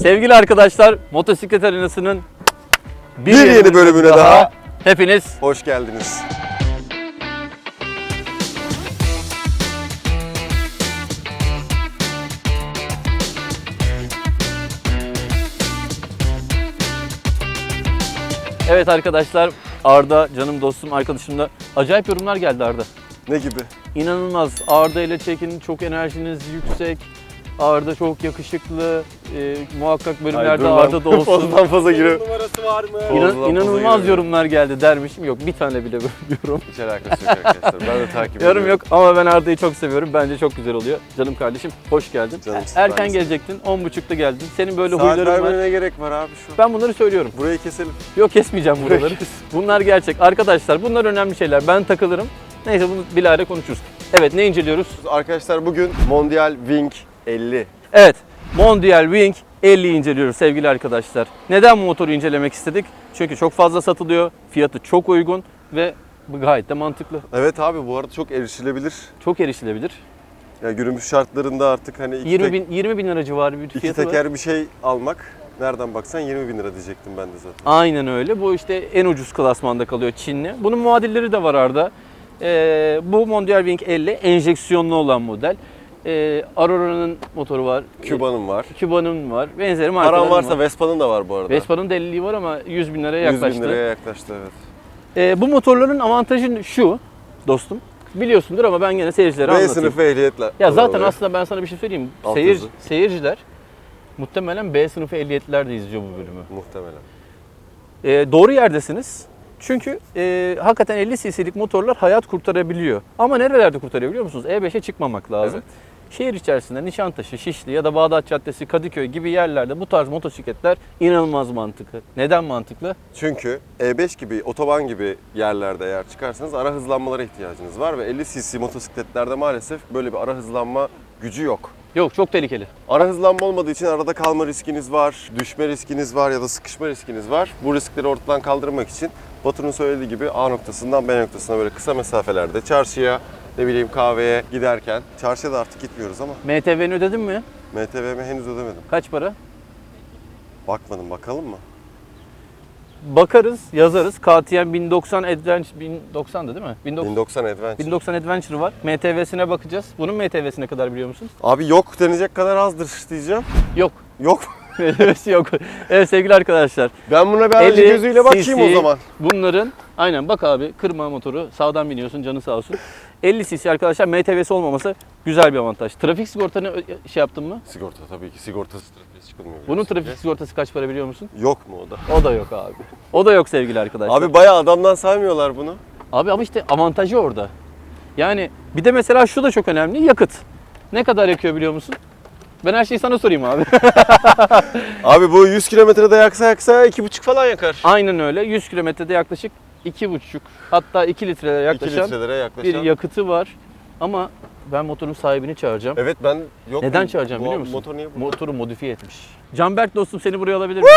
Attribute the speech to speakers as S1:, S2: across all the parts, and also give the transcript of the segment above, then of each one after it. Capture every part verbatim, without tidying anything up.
S1: Sevgili arkadaşlar, Motosiklet Arenası'nın bir,
S2: bir yeni, yeni bölümüne daha, daha
S1: hepiniz
S2: hoş geldiniz.
S1: Evet arkadaşlar, Arda, canım dostum, arkadaşımla acayip yorumlar geldi Arda.
S2: Ne gibi?
S1: İnanılmaz. Arda ile çekin, çok enerjiniz yüksek. Arda çok yakışıklı. E, muhakkak bölümlerde
S2: Hayır,
S1: Arda da olsun.
S2: Fazladan fazla giriyor.
S3: Numarası var mı?
S1: İnan, inanılmaz yorumlar geldi dermişim. Yok, bir tane bile yorum.
S2: Hiç alakası yok arkadaşlar. Ben de takip ediyorum.
S1: Yorum yok ama ben Arda'yı çok seviyorum. Bence çok güzel oluyor. Canım kardeşim, hoş geldin.
S2: Canım,
S1: Erken gelecektin, on buçukta geldin. Senin böyle
S2: Saat
S1: huyların var.
S2: vermene gerek var abi şu.
S1: Ben bunları söylüyorum.
S2: Burayı keselim.
S1: Yok, kesmeyeceğim buraları. Bunlar gerçek. Arkadaşlar bunlar önemli şeyler. Ben takılırım. Neyse, bunu bilahare konuşuruz. Evet, ne inceliyoruz?
S2: Arkadaşlar bugün Mondial Wing elli.
S1: Evet, Mondial Wing elliyi inceliyoruz sevgili arkadaşlar. Neden bu motoru incelemek istedik? Çünkü çok fazla satılıyor, fiyatı çok uygun ve bu gayet de mantıklı.
S2: Evet abi, bu arada çok erişilebilir.
S1: Çok erişilebilir.
S2: Ya günümüz şartlarında artık hani iki,
S1: yirmi
S2: tek,
S1: bin, yirmi bin lira civarı bir
S2: iki
S1: fiyatı var.
S2: teker bir şey almak nereden baksan yirmi bin lira diyecektim ben de zaten.
S1: Aynen öyle. Bu işte en ucuz klasmanda kalıyor, Çinli. Bunun muadilleri de var Arda. Ee, bu Mondial Wing elli enjeksiyonlu olan model. Ee, Aurora'nın motoru var.
S2: Cuba'nın var.
S1: Cuba'nın var. Benzeri markaların
S2: Paran varsa
S1: var.
S2: Vespa'nın da var bu arada.
S1: Vespa'nın da elliliği var ama yüz bin liraya yaklaştı.
S2: yüz bin liraya yaklaştı, evet.
S1: Ee, bu motorların avantajı şu dostum. Biliyorsundur ama ben gene seyircilere
S2: B
S1: anlatayım.
S2: sınıfı ehliyetler.
S1: Ya zaten
S2: Oralar.
S1: aslında ben sana bir şey söyleyeyim.
S2: Alt
S1: Seyir,
S2: hızı.
S1: seyirciler muhtemelen B sınıfı ehliyetler de izliyor bu bölümü.
S2: Muhtemelen.
S1: Ee, doğru yerdesiniz. Çünkü e, hakikaten elli cc'lik motorlar hayat kurtarabiliyor. Ama nerelerde kurtarabiliyor musunuz? E beşe çıkmamak lazım.
S2: Evet.
S1: Şehir içerisinde Nişantaşı, Şişli ya da Bağdat Caddesi, Kadıköy gibi yerlerde bu tarz motosikletler inanılmaz mantıklı. Neden mantıklı?
S2: Çünkü E beş gibi, otoban gibi yerlerde eğer çıkarsanız ara hızlanmalara ihtiyacınız var ve elli cc motosikletlerde maalesef böyle bir ara hızlanma gücü yok.
S1: Yok, çok tehlikeli.
S2: Ara hızlanma olmadığı için arada kalma riskiniz var, düşme riskiniz var ya da sıkışma riskiniz var. Bu riskleri ortadan kaldırmak için Batu'nun söylediği gibi A noktasından B noktasına böyle kısa mesafelerde çarşıya, ne bileyim kahveye giderken, çarşıya da artık gitmiyoruz ama
S1: M T V'ni ödedin mi?
S2: M T V'mi henüz ödemedim.
S1: Kaç para?
S2: Bakmadım, bakalım mı?
S1: Bakarız, yazarız. K T M bin doksan Adventure, bin doksan'dı değil mi? bin doksan,
S2: bin doksan Adventure.
S1: bin doksan Adventure var. M T V'sine bakacağız. Bunun M T V'si ne kadar biliyor musun?
S2: Abi yok denecek kadar azdır diyeceğim.
S1: Yok.
S2: Yok.
S1: M T V'si yok. Evet sevgili arkadaşlar.
S2: Ben buna bir alıcı gözüyle bakayım o zaman.
S1: Bunların, aynen bak abi, kırma motoru, sağdan biniyorsun, canı sağ olsun. elli cc arkadaşlar, M T V'si olmaması güzel bir avantaj. Trafik sigortanı şey yaptın mı?
S2: Sigorta tabii ki, sigortasız trafiğe çıkılmıyor.
S1: Bunun trafik sigortası kaç para biliyor musun?
S2: Yok mu o da?
S1: O da yok abi. O da yok sevgili arkadaşlar.
S2: Abi bayağı adamdan saymıyorlar bunu.
S1: Abi ama işte avantajı orada. Yani bir de mesela şu da çok önemli, yakıt. Ne kadar yakıyor biliyor musun? Ben her şeyi sana sorayım abi.
S2: Abi bu yüz kilometrede yaksa yaksa iki buçuk falan yakar.
S1: Aynen öyle. yüz kilometrede yaklaşık iki buçuk hatta iki litrelere
S2: iki
S1: yaklaşan
S2: litrelere yaklaşan.
S1: bir yakıtı var. Ama ben motorun sahibini çağıracağım.
S2: Evet ben yok.
S1: Neden
S2: mu?
S1: çağıracağım
S2: Bu
S1: biliyor musun?
S2: Motor niye burada?
S1: Motoru modifiye etmiş. Canberk dostum, seni buraya alabilir miyim?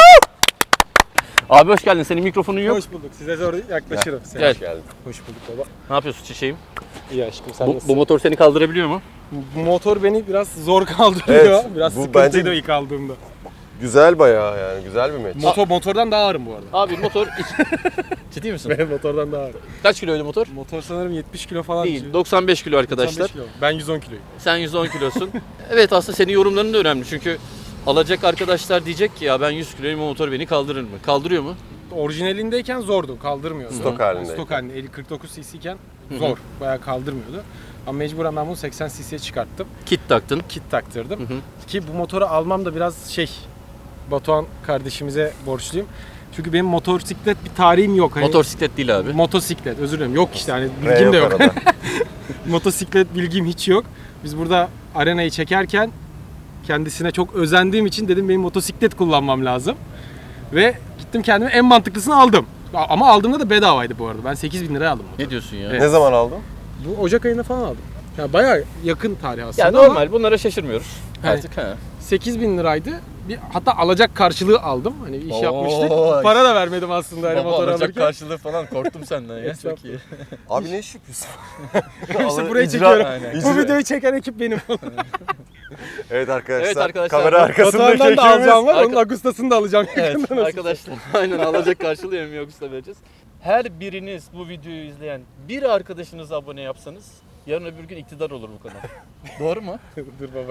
S1: Abi hoş geldin. Senin mikrofonun yok.
S3: Hoş bulduk. Size zor yaklaşırım. Sen.
S1: Gel.
S2: Hoş geldin.
S3: Hoş bulduk baba.
S1: Ne yapıyorsun çiçeğim?
S3: İyi aşkım, sen
S1: Bu,
S3: nasılsın?
S1: bu motor seni kaldırabiliyor mu?
S3: Bu motor beni biraz zor kaldırıyor.
S2: Evet,
S3: biraz
S2: bu
S3: sıkıntıydı
S2: bence-
S3: ilk aldığımda.
S2: Güzel bayağı yani, güzel bir meç.
S3: Motor motordan daha ağırım bu arada.
S1: Abi motor... Ciddi misin?
S3: Ben motordan daha ağırım.
S1: Kaç kiloydu motor?
S3: Motor sanırım yetmiş kilo falan.
S1: Değil. doksan beş kilo arkadaşlar.
S3: doksan beş kilo. Ben yüz on kiloyum.
S1: Sen yüz on kilosun. Evet, aslında senin yorumların da önemli. Çünkü alacak arkadaşlar diyecek ki ya ben yüz kiloyum, o motor beni kaldırır mı? Kaldırıyor mu?
S3: Orijinalindeyken zordu, kaldırmıyordu.
S2: Stok halindeyken.
S3: Stok halinde elli kırk dokuz cc iken zor, bayağı kaldırmıyordu. Ama mecburen ben bunu seksen cc'ye çıkarttım.
S1: Kit taktın.
S3: Kit taktırdım.
S1: Hı hı.
S3: Ki bu motoru almam da biraz şey, Batuhan kardeşimize borçluyum. Çünkü benim motosiklet bir tarihim yok. Hani
S1: Motosiklet değil abi.
S3: Motosiklet, özür dilerim. Yok işte, hani
S2: R
S3: bilgim de yok.
S2: arada.
S3: Motosiklet bilgim hiç yok. Biz burada arenayı çekerken kendisine çok özendiğim için dedim benim motosiklet kullanmam lazım. Ve gittim kendime en mantıklısını aldım. Ama aldığımda da bedavaydı bu arada. Ben sekiz bin liraya aldım motoru.
S1: Ne diyorsun ya?
S3: Evet.
S2: Ne zaman aldın?
S3: Bu Ocak ayında falan aldım. Ya bayağı yakın tarih aslında.
S1: Ya
S3: ama
S1: normal, bunlara şaşırmıyoruz
S3: Evet.
S1: artık. Ha.
S3: sekiz bin liraydı. Bir, hatta alacak karşılığı aldım. Hani iş
S1: Oo,
S3: yapmıştık. Para da vermedim aslında hani motor alırken.
S1: karşılığı falan korktum senden ya.
S3: Çok iyi.
S2: Abi ne iş yapıyorsun?
S3: İşte
S2: Alın-
S3: buraya
S2: icra-
S3: çekiyorum.
S1: Aynen.
S3: Bu videoyu çeken ekip benim.
S2: Evet arkadaşlar,
S1: Evet arkadaşlar,
S2: kamera arkasındaki
S3: Batuhan'dan da
S2: ekibimiz.
S3: alacağım var,
S1: Arka-
S3: onun Agustas'ını da alacağım.
S1: Evet
S3: yakında nasıl?
S1: arkadaşlar aynen alacak karşılığı hem yoksa vereceğiz. Her biriniz bu videoyu izleyen bir arkadaşınıza abone yapsanız yarın öbür gün iktidar olur bu kanal. Doğru mu?
S3: Dur baba.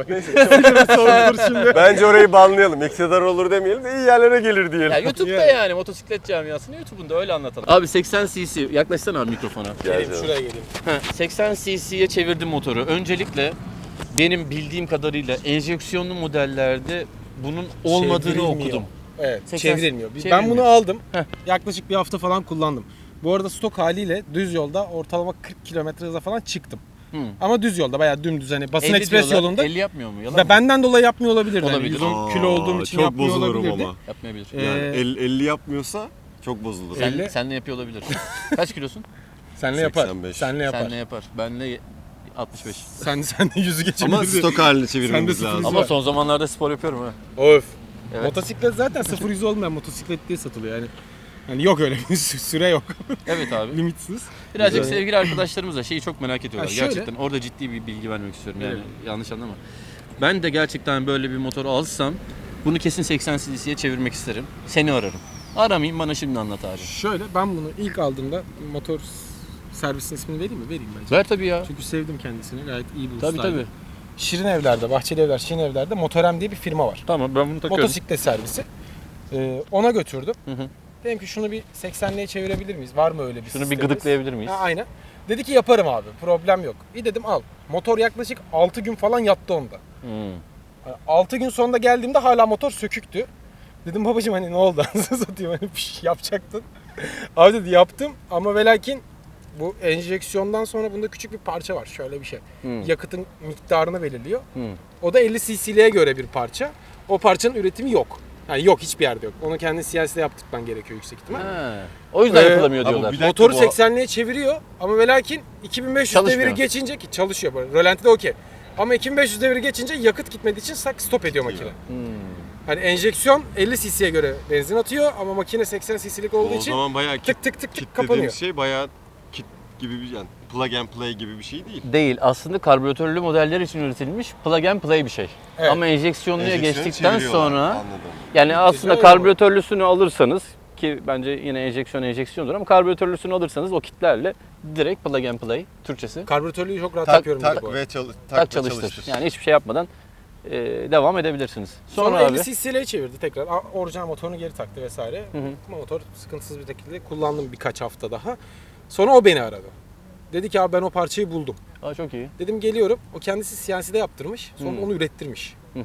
S3: Sorulur şimdi.
S2: Bence orayı banlayalım. İktidar olur demeyelim de iyi yerlere gelir diyelim.
S1: Ya YouTube'da
S3: Yani.
S1: yani motosiklet camiasını YouTube'unda öyle anlatalım. Abi seksen cc yaklaşsana abi mikrofona.
S2: Gel
S3: Geleyim,
S2: canım.
S3: şuraya geleyim.
S1: Heh, seksen cc'ye çevirdim motoru. Öncelikle benim bildiğim kadarıyla enjeksiyonlu modellerde bunun olmadığını
S3: Çevrilmiyor.
S1: okudum.
S3: Evet,
S1: seksen
S3: çevrilmiyor. Biz- Ben
S1: çevrilmiyor.
S3: bunu aldım.
S1: Heh.
S3: Yaklaşık bir hafta falan kullandım. Bu arada stok haliyle düz yolda ortalama kırk kilometre hıza falan çıktım.
S1: Hı.
S3: Ama düz yolda bayağı dümdüz hani basın
S1: elli
S3: ekspres
S1: diyorlar,
S3: yolunda.
S1: elli yapmıyor mu? Yalan
S3: Ve
S1: mı?
S3: benden dolayı yapmıyor olabilir.
S1: Olabilir.
S3: Yani yüz on
S2: Aa,
S3: kilo olduğum için
S2: çok
S3: yapmıyor
S2: bozulurum
S3: olabilirdi.
S2: ama.
S1: Yapmayabilir.
S3: Ee,
S2: Yani el- elli yapmıyorsa çok bozulur.
S1: Sen,
S3: elli.
S1: senle yapıyor olabilir. Kaç kilosun?
S3: Senle yapar.
S2: seksen beş.
S3: Senle yapar.
S1: Senle yapar. Benle altmış beş.
S3: Sen sen de yüzü geçebilirdi.
S2: Ama stok halini
S3: Sen
S2: çevirmemiz
S3: de
S2: lazım.
S3: sıfır-
S1: Ama
S3: var.
S1: son zamanlarda spor yapıyorum ha.
S3: Of.
S1: Evet.
S3: Motosiklet zaten sıfır yüz olmayan motosiklet diye satılıyor yani. Yani yok öyle bir sü- süre yok.
S1: Evet abi.
S3: Limitsiz.
S1: Birazcık
S3: Güzel.
S1: sevgili arkadaşlarımız da şeyi çok merak ediyorlar.
S3: Ha, şöyle.
S1: Gerçekten orada ciddi bir bilgi vermek istiyorum. Yani
S3: Evet.
S1: yanlış anlama. Ben de gerçekten böyle bir motor alsam bunu kesin seksen cc'ye çevirmek isterim. Seni ararım. Aramayayım bana şimdi anlat abi.
S3: Şöyle ben bunu ilk aldığımda motor servisin ismini vereyim mi? Vereyim bence.
S1: Ver tabii ya.
S3: Çünkü sevdim kendisini. Gayet iyi bir
S1: Tabii
S3: ustaydı.
S1: tabii.
S3: Şirin Evler'de, Bahçeli Evler, Şirin Evler'de Motorem diye bir firma var.
S1: Tamam ben bunu takıyorum.
S3: Motosiklet servisi. Ee, ona götürdüm.
S1: Hı hı.
S3: Dedim ki şunu bir seksenliğe çevirebilir miyiz? Var mı öyle bir
S1: Şunu bir
S3: sistemimiz?
S1: gıdıklayabilir miyiz?
S3: Ha, aynen. Dedi ki yaparım abi. Problem yok. İyi dedim al. Motor yaklaşık altı gün falan yattı onda.
S1: Hmm.
S3: altı gün sonunda geldiğimde hala motor söküktü. Dedim babacığım hani ne oldu? Anasını satayım hani bir şey yapacaktın. Abi dedi yaptım ama ve lakin bu enjeksiyondan sonra bunda küçük bir parça var. Şöyle bir şey.
S1: Hmm.
S3: Yakıtın miktarını belirliyor.
S1: Hmm.
S3: O da elli cc'liğe göre bir parça. O parçanın üretimi yok. Yani yok hiçbir yerde yok. Onu kendi C N C'de yaptırman gerekiyor yüksek ihtimal.
S1: Ha. O yüzden
S3: Ee,
S1: yapılamıyor
S2: ama
S1: diyorlar.
S2: bir dakika,
S3: Motoru
S2: bu-
S3: seksenliğe çeviriyor ama ve lakin iki bin beş yüz
S1: Çalışmıyor.
S3: deviri geçince ki çalışıyor böyle. Rölantide okey. Ama iki bin beş yüz deviri geçince yakıt gitmediği için sak stop ediyor makine.
S1: Hmm.
S3: Hani enjeksiyon elli cc'ye göre benzin atıyor ama makine seksen cc'lik olduğu
S2: O
S3: için
S2: zaman bayağı kit,
S3: tık tık tık
S2: kit
S3: tık kapanıyor.
S2: dediğimiz şey bayağı kit gibi bir yani plug and play gibi bir şey değil.
S1: Değil. Aslında karbüratörlü modeller için üretilmiş plug and play bir şey.
S3: Evet.
S1: Ama enjeksiyonluya
S2: Enjeksiyonu
S1: geçtikten
S2: çeviriyorlar,
S1: sonra
S2: anladım.
S1: yani aslında
S3: öyle
S1: karbüratörlüsünü alırsanız ki bence yine enjeksiyon enjeksiyondur ama karbüratörlüsünü alırsanız o kitlerle direkt plug and play Türkçesi
S3: Karbüratörlüğü çok rahat
S2: Tak,
S3: yapıyorum
S2: tak
S3: dedi bu arada.
S2: ve çalış, tak,
S1: tak
S2: ve
S1: çalıştır.
S2: çalıştır.
S1: Yani hiçbir şey yapmadan e, devam edebilirsiniz. Sonra,
S3: Sonra
S1: abi
S3: elli cc'liğe çevirdi tekrar. A- Orijinal motorunu geri taktı vesaire.
S1: Hı hı.
S3: Motor sıkıntısız bir şekilde kullandım birkaç hafta daha. Sonra o beni aradı. Dedi ki abi ben o parçayı buldum.
S1: Aa, çok iyi.
S3: Dedim geliyorum. O kendisi C N C'de yaptırmış. Sonra
S1: Hı.
S3: onu ürettirmiş.
S1: Hı hı.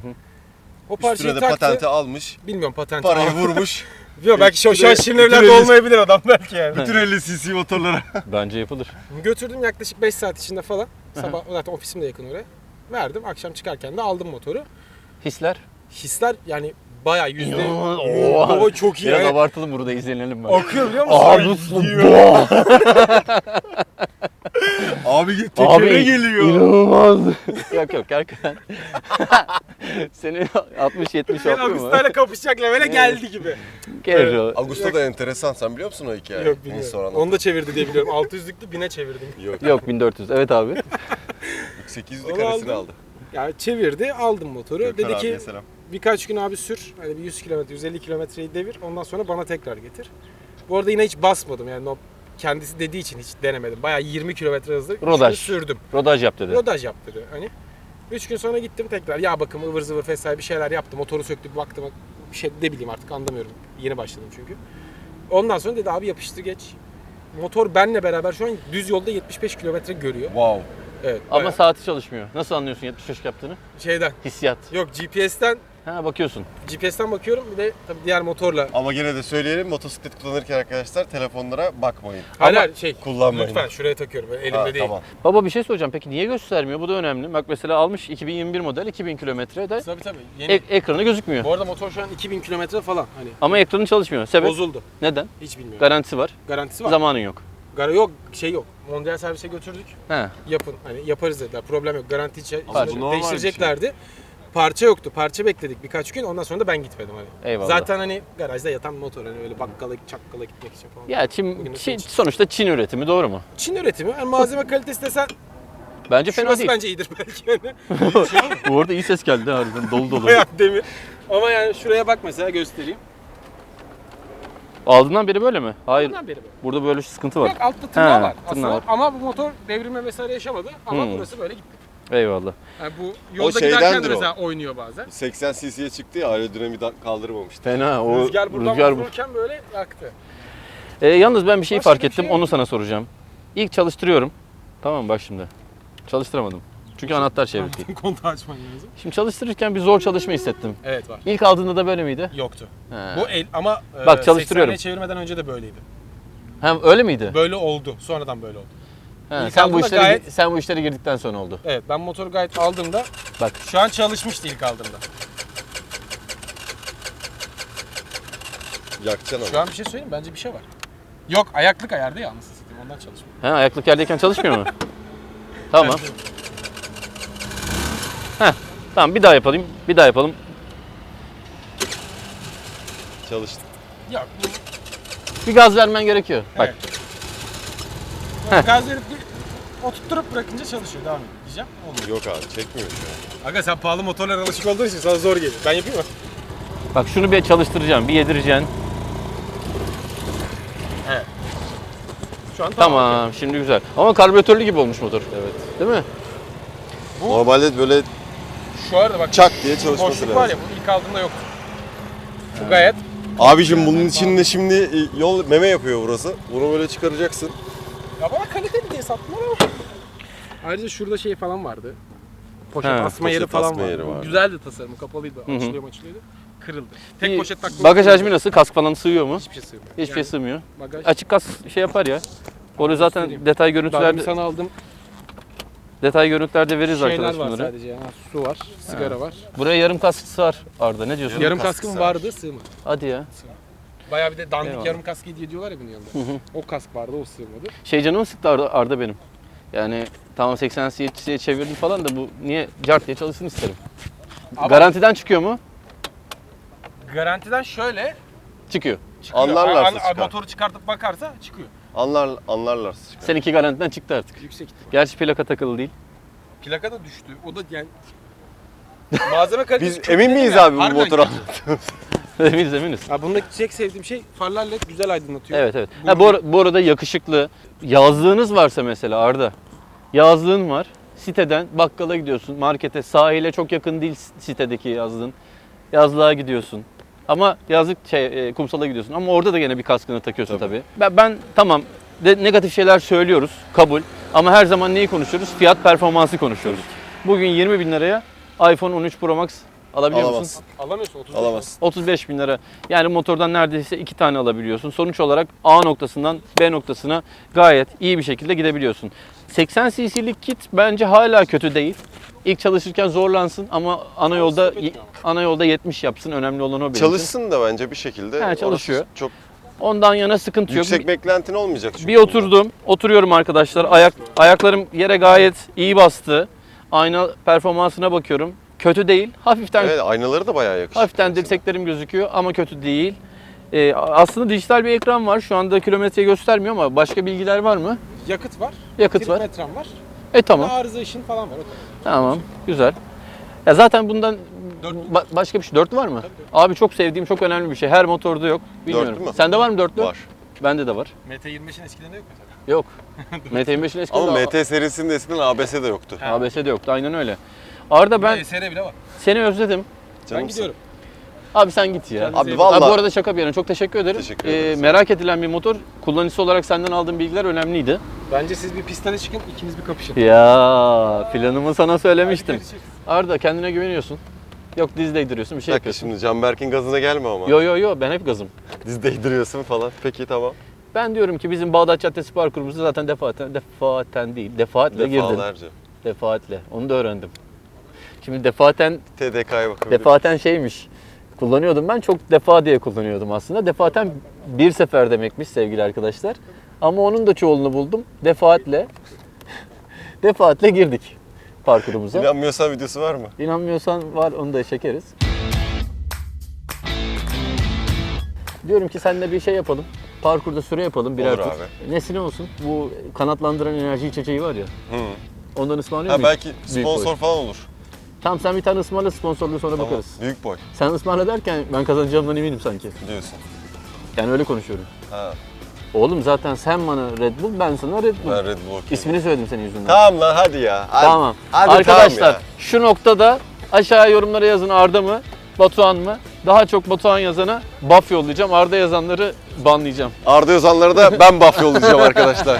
S3: O parçayı
S2: Üstüne de
S3: taktı.
S2: patenti almış.
S3: Bilmiyorum patenti.
S2: Parayı
S3: Ama-
S2: vurmuş.
S3: Yok belki şu, şu an Şirin
S2: Bütün
S3: Evler'de
S2: elli-
S3: olmayabilir adam belki yani.
S2: Bütün elli cc motorlara.
S1: Bence yapılır.
S3: Götürdüm yaklaşık beş saat içinde falan. Sabah zaten ofisim de yakın oraya. Verdim. Akşam çıkarken de aldım motoru.
S1: Hisler.
S3: Hisler yani bayağı yüzde...
S1: Oha.
S3: Baba çok iyi.
S1: Biraz
S3: Yani.
S1: abartalım burada izlenelim ben.
S3: Akıyor biliyor musun?
S1: Abi
S2: Abi tekere geliyor.
S1: inanılmaz. yok yok gerçekten. Seni altmış yetmiş
S3: Ben
S1: yapıyor mu?
S3: Agusta'yla kapışacak levele geldi gibi.
S1: Gelir o.
S2: Ağustos da enteresan. Sen biliyor musun o hikayeyi?
S3: Yok
S2: Neyse,
S3: bilmiyorum.
S2: sonra anlat.
S3: Onu da çevirdi diye biliyorum. altı yüzlüklü bine çevirdim.
S2: Yok.
S1: Yok bin dört yüz. Evet abi.
S2: sekiz yüzlü
S3: Onu
S2: karesini
S3: aldım.
S2: aldı.
S3: Yani çevirdi, aldım motoru.
S2: Gökhan
S3: Dedi
S2: abiye
S3: ki
S2: selam.
S3: birkaç gün abi sür. Hani bir yüz kilometre, yüz elli kilometreyi devir. Ondan sonra bana tekrar getir. Bu arada yine hiç basmadım. Yani o kendisi dediği için hiç denemedim. Bayağı yirmi kilometre hızla üç gün
S1: Rodaj.
S3: sürdüm.
S1: Rodaj yap dedi.
S3: Rodaj yap dedi. Hani üç gün sonra gittim tekrar. Yağ bakımı, ıvır zıvır vesaire bir şeyler yaptım. Motoru söktü, baktım. Bir şey ne bileyim artık anlamıyorum. Yeni başladım çünkü. Ondan sonra dedi abi yapıştır geç. Motor benle beraber şu an düz yolda yetmiş beş kilometre görüyor.
S2: Wow.
S3: Evet.
S1: Ama
S3: bayağı
S1: saati çalışmıyor. Nasıl anlıyorsun yetmiş beş yaptığını?
S3: şeyden.
S1: Hissiyat.
S3: Yok G P S'ten
S1: Ha bakıyorsun.
S3: G P S'ten bakıyorum bir de tabii diğer motorla.
S2: Ama gene de söyleyelim, motosiklet kullanırken arkadaşlar telefonlara bakmayın.
S3: Hayır
S1: Ama
S3: hayır, şey
S2: kullanmayın.
S3: lütfen şuraya takıyorum böyle elimde
S2: Ha,
S3: değil.
S2: tamam.
S1: Baba bir şey soracağım. Peki niye göstermiyor? Bu da önemli. Bak mesela almış iki bin yirmi bir model iki bin kilometrede
S3: Tabii tabii. Yeni.
S1: ek- ekranı gözükmüyor.
S3: Bu arada motor şu an iki bin kilometre falan hani
S1: Ama ekranı çalışmıyor. Sebep?
S3: bozuldu.
S1: Neden?
S3: Hiç bilmiyorum.
S1: Garantisi var.
S3: Garantisi var.
S1: Zamanın yok.
S3: Gara yok, şey yok. Mondial servise götürdük.
S1: He.
S3: Yapın. Hani yaparız dediler. Problem yok. Garanti içe
S2: Ama
S3: içe-
S2: bu normal bir
S3: değiştireceklerdi. Parça yoktu. Parça bekledik birkaç gün. Ondan sonra da ben gitmedim hani.
S1: Eyvallah.
S3: Zaten hani garajda yatan motor hani öyle bakkala çakkala gitmek için falan.
S1: Ya Çin,
S3: Bugün
S1: Çin-
S3: için.
S1: sonuçta Çin üretimi doğru mu?
S3: Çin üretimi. Yani malzeme kalitesi desen
S1: Bence fena
S3: Şurası
S1: değil.
S3: bence iyidir belki yani.
S1: Bu arada iyi ses geldi harbiden dolu dolu.
S3: Bayağı demir. Ama yani şuraya bak mesela göstereyim.
S1: Aldığından beri böyle mi? Hayır.
S3: Bundan beri böyle.
S1: Burada böyle sıkıntı var.
S3: Yok altta tırnağı
S1: He,
S3: var
S1: tırnağı
S3: aslında.
S1: var.
S3: Ama bu motor devrilme vesaire yaşamadı. Ama
S1: Hmm.
S3: burası böyle gitti.
S1: Eyvallah.
S3: Yani bu yolda
S2: şeydendir
S3: giderken de
S2: o.
S3: mesela oynuyor bazen.
S2: seksen cc'ye çıktı ya aerodinamiği kaldırmamıştı.
S1: Fena o
S3: Rüzgar buradan
S1: rüzgar bu.
S3: vururken böyle yaktı.
S1: Ee, yalnız ben bir şey
S3: Başka
S1: fark
S3: bir
S1: ettim.
S3: şey
S1: Onu sana soracağım. İlk çalıştırıyorum. Tamam mı? Bak şimdi. Çalıştıramadım. Çünkü anahtar çevir değil.
S3: Kontağı açman lazım.
S1: Şimdi çalıştırırken bir zor çalışma hissettim.
S3: Evet var.
S1: İlk aldığında da böyle miydi?
S3: Yoktu.
S1: He.
S3: Bu el ama e,
S1: Bak, çalıştırıyorum.
S3: seksenliğe çevirmeden önce de böyleydi.
S1: Hem öyle miydi?
S3: Böyle oldu. Sonradan böyle oldu.
S1: He,
S3: İlk
S1: sen bu
S3: aldığında
S1: işlere
S3: gayet-
S1: sen bu işlere girdikten sonra oldu.
S3: Evet ben motoru gayet aldığımda
S1: Bak.
S3: şu an çalışmıştı ilk aldığımda.
S2: Yakacaksın
S3: Şu
S2: ama.
S3: an bir şey söyleyeyim bence bir şey var. Yok ayaklık ayardı ya anasını satayım ondan çalışmıyor.
S1: He, ayaklık yerdeyken çalışmıyor mu? Tamam. Heh. Tamam bir daha yapalım. Bir daha yapalım.
S2: Çalıştı.
S3: Yok bu
S1: Bir gaz vermen gerekiyor. Bak.
S3: evet. Gaz verip bir oturtturup bırakınca çalışıyor devam ediyor diyeceğim. Olmuyor.
S2: Yok abi çekmiyor şu an.
S3: Aga sen pahalı motorlara alışık olduğun için sana zor geliyor. Ben yapayım mı?
S1: Bak şunu bir çalıştıracağım. Bir yedireceksin.
S3: Evet. Şu an tamam.
S1: Tamam. Şimdi güzel. Ama karbüratörlü gibi olmuş motor. Evet. Değil mi?
S3: Bu-
S2: Normalde böyle
S3: Şu arada bak
S2: çak diye çalışması
S3: boşluk
S2: lazım.
S3: var ya bu ilk aldığımda yoktu. Bu gayet
S2: Abicim bunun içinde şimdi yol meme yapıyor burası. Bunu böyle çıkaracaksın.
S3: ya bana kaliteli diye sattılar ama. Ayrıca şurada şey falan vardı. Poşet
S1: He,
S3: asma yeri
S2: poşet
S3: falan
S2: asma
S3: vardı.
S2: yeri
S3: Bu
S2: vardı.
S3: güzeldi tasarımı, kapalıydı.
S1: hı.
S3: Açılıyor açılıyordu. Kırıldı. Tek
S1: Bir
S3: poşet taktım.
S1: Bagaj hacmi nasıl? Kask falan sığıyor mu?
S3: Hiçbir şey sığmıyor.
S1: Hiçbir şey
S3: Yani
S1: sığmıyor.
S3: Bagaj.
S1: Açık kask şey yapar ya. Onu zaten
S3: göstereyim.
S1: detay
S3: Daha
S1: görüntülerde
S3: bir sana aldım.
S1: detay görüntülerde veririz
S3: Şeyler
S1: arkadaş
S3: var
S1: bunları.
S3: sadece. Ha, su var, sigara var.
S1: Buraya yarım kask sığar Arda. Ne diyorsun?
S3: Yarım
S2: kask
S3: kaskım
S2: sığar.
S3: vardı, sığmadı.
S1: Hadi ya.
S3: Bayağı bir de dandik
S1: Eyvallah.
S3: yarım kask hediye diyorlar ya bunun yanında. O kask vardı, o sığmadı.
S1: Şey canımı sıktı Arda, Arda benim. Yani tamam seksen cc'ye çevirdim falan da bu niye cart diye çalışsın isterim.
S3: Ama-
S1: Garantiden çıkıyor mu?
S3: Garantiden şöyle
S1: Çıkıyor.
S3: çıkıyor.
S2: Anlarlarsa
S3: An- an-
S2: çıkar.
S3: Motoru çıkartıp bakarsa çıkıyor.
S2: Anlar anlarlar. çıkar.
S1: Seninki garantiden çıktı artık.
S3: Yüksek ihtimal.
S1: Gerçi plaka takılı değil.
S3: Plaka da düştü. O da yani malzeme kalitesi
S2: Biz
S3: çok
S2: emin
S3: iyi
S2: miyiz
S3: ya.
S2: abi bu
S3: Harbiden
S2: motora?
S3: kötü.
S1: eminiz eminiz.
S3: Ha bundaki tek sevdiğim şey farlar led güzel aydınlatıyor.
S1: Evet evet.
S3: Bu-
S1: Ha, bu, ar- bu arada yakışıklı. Yazlığınız varsa mesela Arda. Yazlığın var. Siteden bakkala gidiyorsun. Markete, sahile çok yakın değil sitedeki yazlığın. Yazlığa gidiyorsun. Ama yazlık şey, e, kumsala gidiyorsun. Ama orada da gene bir kaskını takıyorsun tabii.
S2: Tabii.
S1: Ben, ben tamam de, negatif şeyler söylüyoruz. Kabul. Ama her zaman neyi konuşuyoruz? Fiyat performansı konuşuyoruz. Bugün yirmi bin liraya iPhone on üç Pro Max alabiliyor musun?
S2: Alamazsın.
S3: Alamıyorsun otuz.
S2: Alamazsın.
S1: otuz beş bin lira. Yani motordan neredeyse iki tane alabiliyorsun. Sonuç olarak A noktasından B noktasına gayet iyi bir şekilde gidebiliyorsun. seksen cc'lik kit bence hala kötü değil. İlk çalışırken zorlansın ama ana yolda
S3: sıkıntı yok.
S1: ana yolda yetmiş yapsın. Önemli olan o benim için.
S2: Çalışsın da bence bir şekilde.
S1: He,
S2: Orası
S1: çalışıyor.
S2: Çok
S1: Ondan yana sıkıntı yok.
S2: yüksek beklentin olmayacak çünkü.
S1: Bir oturdum. Oturuyorum arkadaşlar. Ayak ayaklarım yere gayet iyi bastı. Ayna performansına bakıyorum. Kötü değil. Hafiften
S2: Evet, aynaları da bayağı yakışıklı.
S1: Hafiften dirseklerim gözüküyor ama kötü değil. Ee, aslında dijital bir ekran var. Şu anda kilometre göstermiyor ama başka bilgiler var mı?
S3: Yakıt var.
S1: Yakıt var.
S3: Trimetrem var.
S1: E tamam.
S3: Arıza işin falan var. O kadar.
S1: Tamam. Güzel. Ya zaten bundan
S3: Dört.
S1: ba- başka bir şey. Dörtlü var mı? Abi çok sevdiğim, çok önemli bir şey. Her motorda yok. Bilmiyorum.
S2: Dörtlü mü?
S1: Sende var mı dörtlü?
S2: Var.
S1: Bende de var.
S3: M T yirmi beşin eskilerinde yok mesela.
S1: Yok. M T yirmi beşin eskiden
S2: Ama
S1: de
S2: M T serisinde eskiden A B S de yoktu.
S1: A B S de yoktu. Aynen öyle. Arda ben
S3: Ben S R bile var.
S1: seni özledim.
S3: Ben
S2: Canımsın.
S3: gidiyorum.
S1: Abi sen git ya.
S3: Kendinize
S2: Abi
S3: iyi
S2: vallahi-
S1: Ha, bu arada şaka bir yana çok teşekkür ederim.
S2: Teşekkür
S1: Ee,
S2: ederiz.
S1: merak edilen bir motor. Kullanıcısı olarak senden aldığım bilgiler önemliydi.
S3: Bence siz bir pistane çıkın, ikiniz bir kapışın.
S1: Ya planımı sana söylemiştim.
S3: Hadi görüşürüz.
S1: Arda kendine güveniyorsun. Yok diz değdiriyorsun bir
S2: Bir
S1: şey
S2: dakika
S1: yapıyorsun.
S2: şimdi Canberk'in gazına gelme ama.
S1: Yo yo yo ben hep gazım.
S2: Diz değdiriyorsun falan. Peki tamam.
S1: Ben diyorum ki bizim Bağdat Caddesi parkurumuzu zaten defaten, defaten değil defaatle girdin.
S2: Defalarca.
S1: Defaatle. Onu da öğrendim. Şimdi defaten,
S2: T D K'ya bakabiliriz.
S1: defaten şeymiş. Kullanıyordum ben çok defa diye kullanıyordum aslında. Defaten bir sefer demekmiş sevgili arkadaşlar. Ama onun da çoğulunu buldum. Defaatle, defaatle girdik parkurumuza.
S2: İnanmıyorsan videosu var mı?
S1: İnanmıyorsan var onu da çekeriz. Diyorum ki seninle bir şey yapalım. Parkurda süre yapalım birer
S2: Olur
S1: tur.
S2: abi.
S1: Nesine olsun? Bu kanatlandıran enerji içeceği var ya.
S2: Hı.
S1: Ondan ısmarlıyor
S2: Ha
S1: muyum?
S2: belki
S1: Büyük
S2: sponsor
S1: boy.
S2: falan olur.
S1: Tamam sen bir tane ısmarla, sponsorluğu sonra
S2: Tamam.
S1: bakarız.
S2: Büyük boy
S1: Sen ısmarla derken ben kazanacağımdan eminim sanki.
S2: diyorsun.
S1: Yani öyle konuşuyorum.
S2: Ha.
S1: Oğlum zaten sen bana Red Bull, ben sana Red Bull.
S2: Ben Red Bull okuyayım.
S1: İsmini söyledim senin yüzünden.
S2: Tamam lan hadi ya. Hadi.
S1: Tamam.
S2: Hadi
S1: Arkadaşlar
S2: tamam ya.
S1: şu noktada aşağıya yorumlara yazın Arda mı, Batuhan mı? Daha çok Batuhan yazana buff yollayacağım. Arda yazanları banlayacağım.
S2: Arda Özanlara da ben buff yollayacağım arkadaşlar.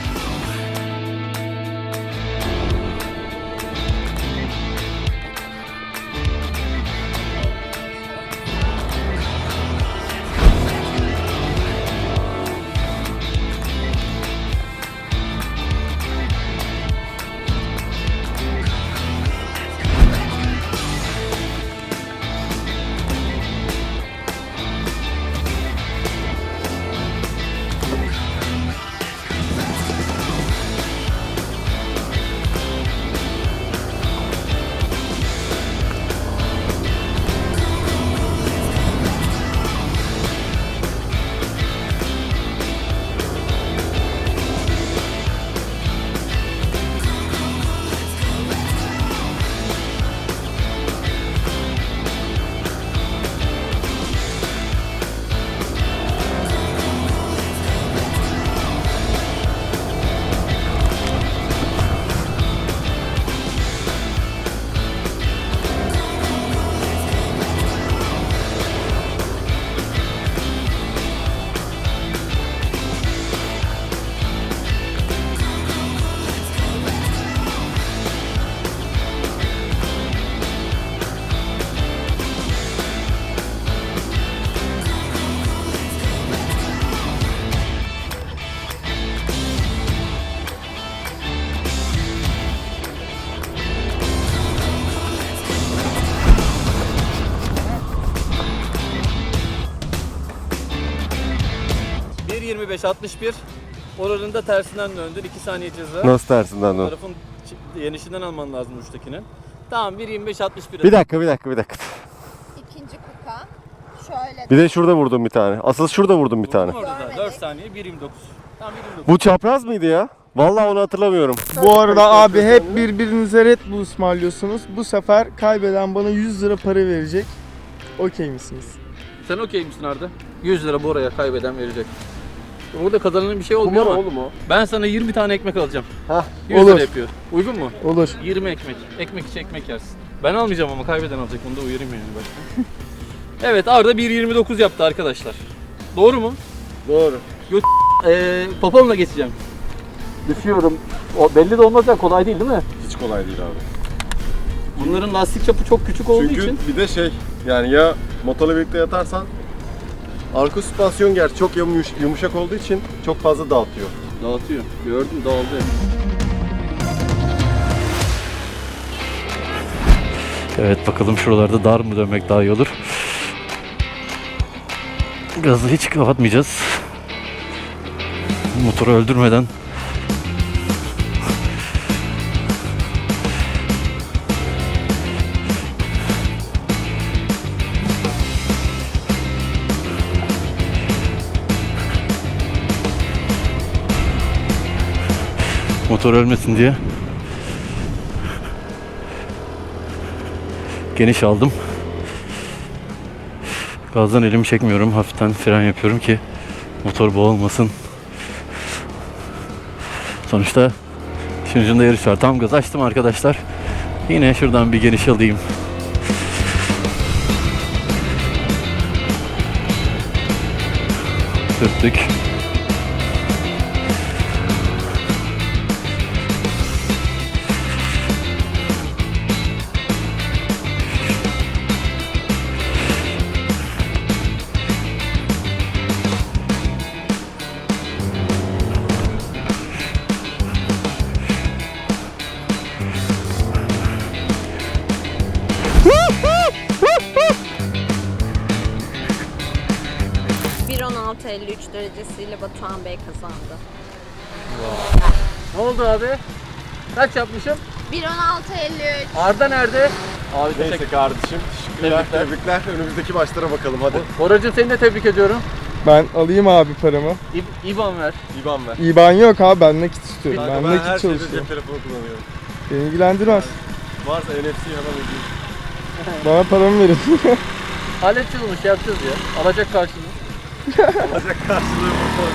S1: bir yirmi beş altmış bir. Oranın da tersinden döndün. iki saniye ceza.
S2: Nasıl tersinden dön?
S1: Tarafın yenişinden alman lazım uçtakinin. Tamam bir yirmi beş altmış bir.
S2: Bir dakika bir dakika bir dakika.
S4: İkinci kuka. Şöyle.
S2: Bir de şurada vurdum bir tane. Asıl şurada vurdum bir tane.
S1: Orada da
S4: Görmedik.
S1: dört saniye bir yirmi dokuz. Tamam bir yirmi dokuz.
S2: Bu çapraz mıydı ya? Vallahi onu hatırlamıyorum.
S5: Bu arada abi hep birbirinize Red Bull ısmarlıyorsunuz. Bu sefer kaybeden bana yüz lira para verecek. Okey misiniz?
S1: Sen okey misin Arda? yüz lira bu oraya kaybeden verecek. Burada kazanan bir şey olmuyor ama
S2: oğlum o.
S1: ben sana yirmi tane ekmek alacağım.
S2: Hah.
S1: yüz
S5: Olur.
S1: lira yapıyor. Uygun mu?
S5: Olur.
S1: yirmi ekmek. Ekmek içi ekmek yersin. Ben almayacağım ama kaybeden alacak. Bunu da uyarayım yani başta. Evet Arda bir yirmi dokuz yaptı arkadaşlar. Doğru mu?
S2: Doğru.
S1: Ee, popomla geçeceğim. Düşüyorum. O belli de olmaz ya, kolay değil değil mi?
S2: Hiç kolay değil abi.
S1: Bunların lastik çapı çok küçük olduğu
S2: Çünkü
S1: için
S2: bir de şey yani ya motorla birlikte yatarsan arka süspansiyon gerçi çok yumuş- yumuşak olduğu için çok fazla dağıtıyor.
S1: dağıtıyor. Gördüm dağıldı. Evet bakalım şuralarda dar mı dönmek daha iyi olur. Gazı hiç kapatmayacağız. Motoru öldürmeden. Motor ölmesin diye geniş aldım. Gazdan elimi çekmiyorum. Hafiften fren yapıyorum ki motor boğulmasın. Sonuçta işin ucunda yarış var. Tam gaz açtım arkadaşlar. Yine şuradan bir geniş alayım. Sürttük.
S4: bir on altı elli üç derecesiyle Batuhan Bey kazandı.
S1: Ne oldu abi? Kaç yapmışım?
S4: bir on altı elli üç.
S1: Arda nerede? Abi
S2: Neyse
S1: teşekkür
S2: kardeşim. Teşekkürler.
S1: Tebrikler.
S2: Tebrikler. Önümüzdeki maçlara bakalım hadi.
S1: Boracığım seni de tebrik ediyorum.
S5: Ben alayım abi paramı.
S1: İb- İban ver.
S2: İban ver.
S5: İban yok abi, ben nakit istiyorum.
S2: Kanka
S5: Ben
S2: ben her
S5: nakit
S2: şeyde
S5: çalışıyorum.
S2: cep telefonu kullanıyorum.
S5: Beni ilgilendirmez.
S2: Varsa N F C'yi hemen ödeyeyim.
S5: Bana paramı verin.
S1: Halledeceğiz onu, şey yapacağız ya. Alacak karşılığı.
S2: Alacak karşılığı motor.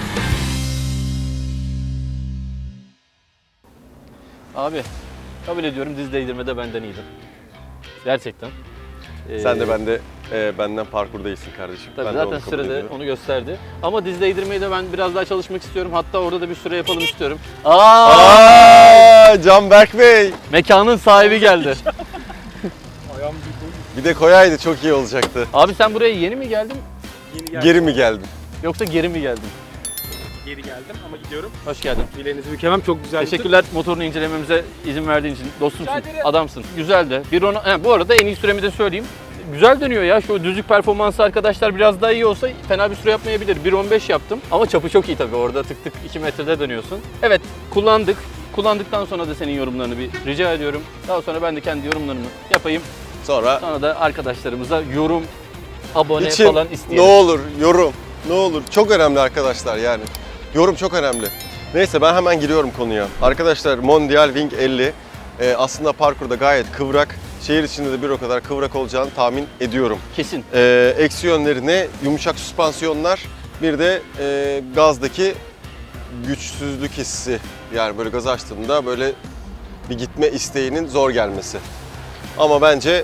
S1: Abi kabul ediyorum, diz değdirmede benden iyiydin. Gerçekten.
S2: Sen
S1: Ee,
S2: de ben de e, benden parkur değilsin kardeşim.
S1: Tabii
S2: ben de
S1: zaten
S2: onu kabul
S1: sürede
S2: ediyorum.
S1: onu gösterdi. Ama diz değdirmeyi de ben biraz daha çalışmak istiyorum. Hatta orada da bir süre yapalım istiyorum. Aa!
S2: Aa, Canberk Bey.
S1: Mekanın sahibi geldi.
S2: Bir de koyaydı çok iyi olacaktı.
S1: Abi sen buraya yeni mi geldin
S3: Yeni
S2: Geri mi geldin?
S1: yoksa geri mi geldin?
S3: Geri geldim ama gidiyorum.
S1: Hoş geldin.
S3: Bileğinizi bükemem, çok güzel.
S1: Teşekkürler motorunu incelememize izin verdiğin için. Dostumsun,
S3: Rica ederim.
S1: adamsın. Güzel de. Bir ona, he, bu arada en iyi süremi de söyleyeyim. Güzel dönüyor ya. Şu düzlük performansı arkadaşlar biraz daha iyi olsa fena bir süre yapmayabilir. bir on beş yaptım. Ama çapı çok iyi tabii. Orada tık tık iki metrede dönüyorsun. Evet, kullandık. Kullandıktan sonra da senin yorumlarını bir rica ediyorum. Daha sonra ben de kendi yorumlarımı yapayım.
S2: Sonra
S1: Sonra da arkadaşlarımıza yorum, abone
S2: için
S1: falan
S2: ne
S1: isteyelim.
S2: olur yorum, ne olur. Çok önemli arkadaşlar yani. Yorum çok önemli. Neyse ben hemen giriyorum konuya. Arkadaşlar Mondial Wing elli e, aslında parkurda gayet kıvrak. Şehir içinde de bir o kadar kıvrak olacağını tahmin ediyorum.
S1: Kesin.
S2: E, eksi yönlerine yumuşak süspansiyonlar, bir de e, gazdaki güçsüzlük hissi. Yani böyle gaz açtığında böyle bir gitme isteğinin zor gelmesi. Ama bence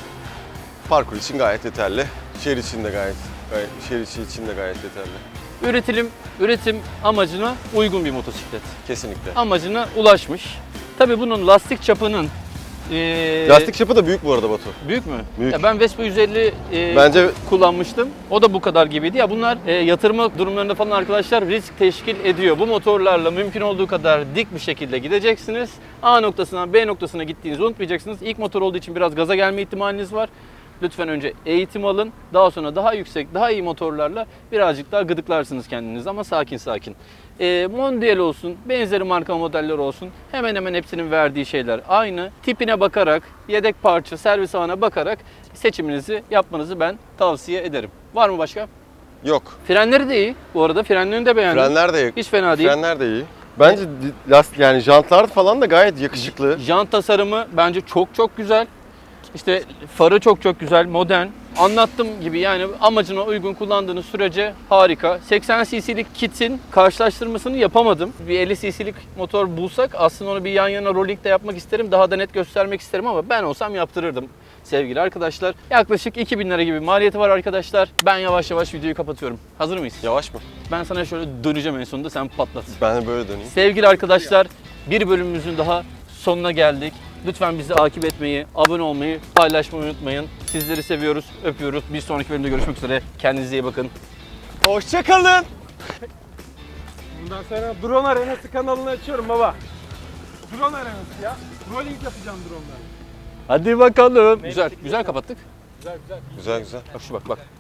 S2: parkur için gayet yeterli. Şehir için de gayet, gayet şehir içi için de gayet yeterli.
S1: Üretim, üretim amacına uygun bir motosiklet.
S2: Kesinlikle.
S1: Amacına ulaşmış. Tabii bunun lastik çapının eee,
S2: Lastik çapı da büyük bu arada Batu.
S1: büyük mü?
S2: Büyük.
S1: Ya ben Vespa yüz elli eee,
S2: Bence
S1: kullanmıştım. O da bu kadar gibiydi. Ya bunlar eee, yatırma durumlarında falan arkadaşlar risk teşkil ediyor. Bu motorlarla mümkün olduğu kadar dik bir şekilde gideceksiniz. A noktasından B noktasına gittiğinizi unutmayacaksınız. İlk motor olduğu için biraz gaza gelme ihtimaliniz var. Lütfen önce eğitim alın. Daha sonra daha yüksek, daha iyi motorlarla birazcık daha gıdıklarsınız kendinizi ama sakin sakin. Ee, Mondial olsun, benzeri marka modeller olsun. Hemen hemen hepsinin verdiği şeyler aynı. Tipine bakarak, yedek parça, servis ağına bakarak seçiminizi yapmanızı ben tavsiye ederim. Var mı başka?
S2: yok.
S1: Frenleri de iyi. Bu arada frenlerini de beğendim.
S2: Frenler de
S1: Hiç fena değil.
S2: Frenler de iyi. Bence di- last yani jantlar falan da gayet yakışıklı.
S1: Jant tasarımı bence çok çok güzel. İşte farı çok çok güzel, modern. Anlattığım gibi yani amacına uygun kullandığınız sürece harika. seksen cc'lik kitin karşılaştırmasını yapamadım. Bir elli cc'lik motor bulsak aslında onu bir yan yana rolling de yapmak isterim. Daha da net göstermek isterim ama ben olsam yaptırırdım sevgili arkadaşlar. Yaklaşık iki bin lira gibi maliyeti var arkadaşlar. Ben yavaş yavaş videoyu kapatıyorum. Hazır mıyız?
S2: Yavaş mı?
S1: Ben sana şöyle döneceğim en sonunda, sen patlat.
S2: Ben de böyle döneyim.
S1: Sevgili arkadaşlar, bir bölümümüzün daha sonuna geldik. Lütfen bizi takip etmeyi, abone olmayı, paylaşmayı unutmayın. Sizleri seviyoruz, öpüyoruz. Bir sonraki bölümde görüşmek üzere. Kendinize iyi bakın.
S2: Hoşçakalın.
S3: Bundan sonra Drone Arenası kanalını açıyorum baba. Drone Arenası ya. Rolling yapacağım drone'larla.
S1: Hadi bakalım. Güzel, güzel kapattık.
S3: Güzel güzel.
S2: Güzel güzel.
S1: Bak şu bak bak.